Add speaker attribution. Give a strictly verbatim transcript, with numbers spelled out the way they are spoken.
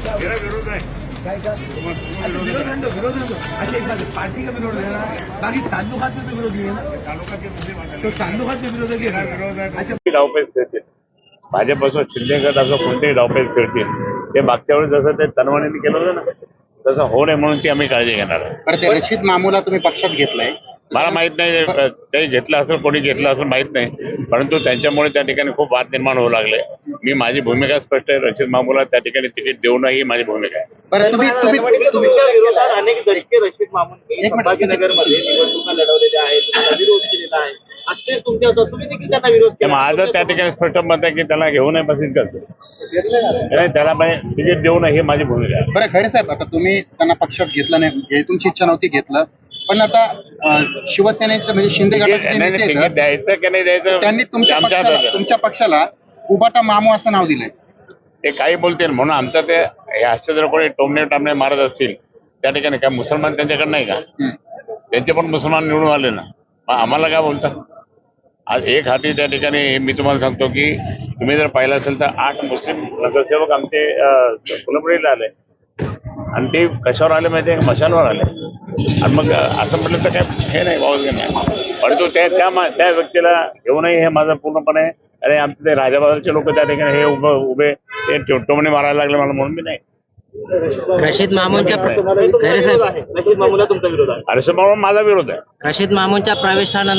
Speaker 1: मेरा विरोध है
Speaker 2: काय का विरोध नंदो विरोध नंदो अच्छा एक बात है, पार्टी का विरोध है ना, बाकी ताल्लुकात में तो विरोध नहीं है ना,
Speaker 1: तालुका के मुद्दे मांगा
Speaker 2: तो ताल्लुकात में विरोध है
Speaker 1: मेरा विरोध है
Speaker 2: अच्छा
Speaker 1: डावपेच करतील भाजपपासून शिंदे गट असं कोणतेही डावपेच करतील ते मागच्या वेळेस जसं ते तनवाणीने केलं होतं ना तसं होऊ नये म्हणून ती आम्ही काळजी घेणार आहे.
Speaker 3: बरं ते रशीद मामूला तुम्ही पक्षात घेतलाय.
Speaker 1: मला माहित नाही काही घेतलं असेल कोणी घेतलं असेल माहित नाही, परंतु त्यांच्यामुळे त्या ठिकाणी खूप वाद निर्माण होऊ लागले. मी माझी भूमिका स्पष्ट आहे, रशीद मामूला त्या ठिकाणी तिकीट देऊ नये ही माझी भूमिका आहे.
Speaker 3: बरं तुम्ही तुम्ही
Speaker 4: तुमच्या विरोधात अनेक दशके रशीद मामूननी संभाजीनगरमध्ये निवडणुका लढवलेल्या आहेत, त्यांना विरोध केलेला आहे. असते तुमच्या होतं, तुम्ही देखील त्यांना विरोध केला.
Speaker 1: माझं त्या ठिकाणी स्पष्ट मत आहे की त्याला घेऊ नये बस इतकंच. नाही त्याला म्हणजे तिकीट देऊ नये ही माझी भूमिका आहे.
Speaker 3: बरं खरे साहेब, आता तुम्ही त्यांना पक्षात घेतलं नाही, हे तुमची इच्छा नव्हती घेतलं, पण आता अं, शिवसेनेचं म्हणजे शिंदे गटाचे जे
Speaker 1: नाही,
Speaker 3: नेते
Speaker 1: नाही,
Speaker 3: आहेत,
Speaker 1: तिकीट द्यायचं की नाही द्यायचं
Speaker 3: त्यांनी तुमच्या
Speaker 1: आमच्या हातात
Speaker 3: पक्षाला
Speaker 1: आहे.
Speaker 3: तुमच्या पक्षाला उबाटा मामू असं नाव दिलंय.
Speaker 1: ते काही बोलतील म्हणून आमचं ते हे असे जर कोणी टोमणे टामणे मारत असतील त्या ठिकाणी काय मुसलमान त्यांच्याकडे नाही का?
Speaker 3: हम्म.
Speaker 1: त्यांचे पण मुसलमान निवडून आले ना, मग आम्हाला काय बोलता? आज एक हाती त्या ठिकाणी मी तुम्हाला सांगतो की तुम्ही जर पाहिलं असेल तर आठ मुस्लिम नगरसेवक आमचे फुलंबरीला आले आणि ते कशावर आले माहिती आहे? मशालवर आले. आणि मग असं म्हटलं तर काय हे नाही वावज नाही, परंतु त्या त्या मा- त्या व्यक्तीला घेऊ नये हे माझं पूर्णपणे. अरे आमचे ते राजाबाजारचे लोक त्या ठिकाणी हे उभं उभे ते टोमणे मारायला लागले मला म्हणून मी नाही.
Speaker 5: रशीद मामूनच्या
Speaker 4: तुम्हाला विरोध आहे. रशीद मामूला तुमचा विरोध आहे.
Speaker 1: अरे म्हणून माझा विरोध आहे.
Speaker 5: रशीद मामूनच्या प्रवेशानंतर